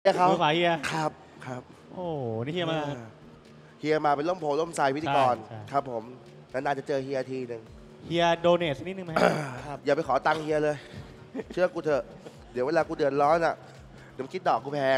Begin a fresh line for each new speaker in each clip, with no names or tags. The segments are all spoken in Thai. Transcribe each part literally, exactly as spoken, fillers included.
เฮียเขา
มือขวาเฮีย
ครับครับ
โอ้นี่เฮียมา
เฮียมาเป็นล่มโพล่มไทรพิธีกร
ใช่ใช่
ครับผมนานๆจะเจอเฮียทีหนึ่ง
เฮียโดเนทนิดนึงไหมครับ
อย่าไปขอตังค์เฮียเลย เชื่อกูเถอะเดี๋ยวเวลากูเดือดร้อนอ่ะเดี๋ยวมึงคิดดอกกูแพง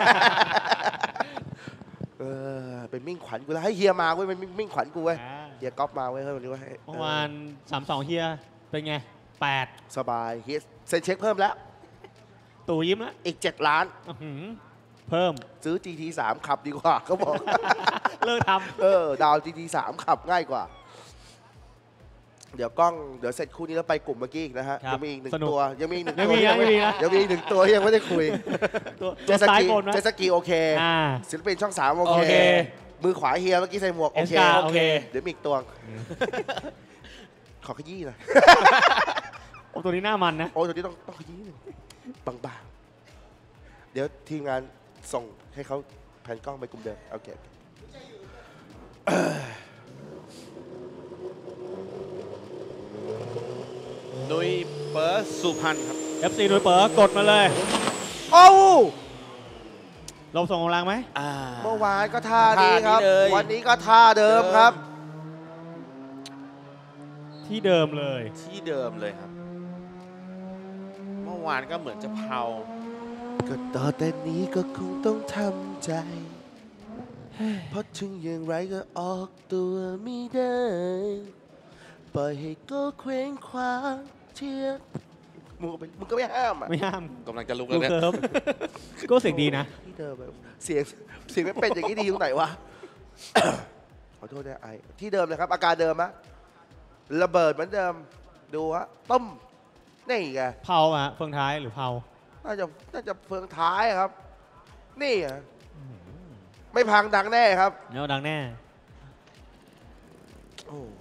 เออเป็นมิ่งขวัญกูแล้วให้เฮียมาเว้ยเป็นมิ่งขวัญกูเว้ย
อ่า
เฮียก๊อฟมาเว้ยเฮ้ยวันนี้เว้ย
เมื่อวานสามสองเฮียเป็นไงแปด
สบายเฮียเซ็นเช็คเพิ่มแล้ว
ตู่ยิ้มแล้ว
อีกเจ็ดล้าน
อื้อหือเพิ่ม
ซื้อ จี ที สามขับดีกว่าเขาบอก
เลิกท
เออดาว จี ที สามขับง่ายกว่า เดี๋ยวกล้องเดี๋ยวเสร็จคู่นี้แล้วไปกลุ่มเมื่อกี้อีกนะฮะ
ครับ
ยังมีอีกหนึ่ง
สนุก
ตัวยังมีอีกหนึ่ง
ยัง
ตัว
มีนะยังมีนะ
ยังมีอีกหนึ่งตัวที่ยังไม่ได้คุย
ำตัว
เจ
ตัว
ส
ซ้าย
กี
บนนะ
เจสกีโอเค
อ่า
ศิลปินช่องสามโอ
โอ
เค
เค
มือขวาเฮียเมื่อกี้ใส่หมวก โอเค
เอสกาโอเค
เดี๋ยวมีอีกตัว ขอขยี้หน่อย
โอ้ตัวนี้หน้ามันนะ
โอ้ยตัวนี้ต้องต้องขยี้หนึ่งบางๆ เดี๋ยวทีมงานส่งให้เขาแผ่นกล้องไปกลุ่มเดิมโอเค
นุ้ยเปิร์สุพรรณครับ
เอฟซีโดยเปิดกดมาเลย
โอ้า
ลงส่งกำลังไหม
อ่า
เมื่อวานก็ท่านี้ครับ
ท่านี้เลย
วันนี้ก็ท่าเดิมครับ
ที่เดิมเลย
ที่เดิมเลยครับ เมื่อวานก็เหมือนจะเผา
ก็ต่อแต่นี้ก็คงต้องทำใจ เพราะถึงอย่างไรก็ออกตัวไม่ได้ปล่อยให้ก็เคว้งคว้างเชียร์มึงก็ไม่มึงก็ไม่ห้ามอ่ะ
ไม่ห้าม
กำลังจะลุก
ลู
แล้ว
ก
เนี่ย
เคิร์ฟก็เสียงดีนะ
ที่เดิมแบบเสียงเสียงไม่เป็นอย่างนี้ดีตรงไหนวะ ขอโทษนะไอที่เดิมเลยครับ อาการเดิมอะระเบิดเหมือนเดิมดูฮะต้มนี่ไง
เผาอะเฟืองท้ายหรือเผา
น่าจะน่าจะเฟืองท้ายครับ นี่อะไม่พังดังแน่ครับ
เนาดังแน่
โอ้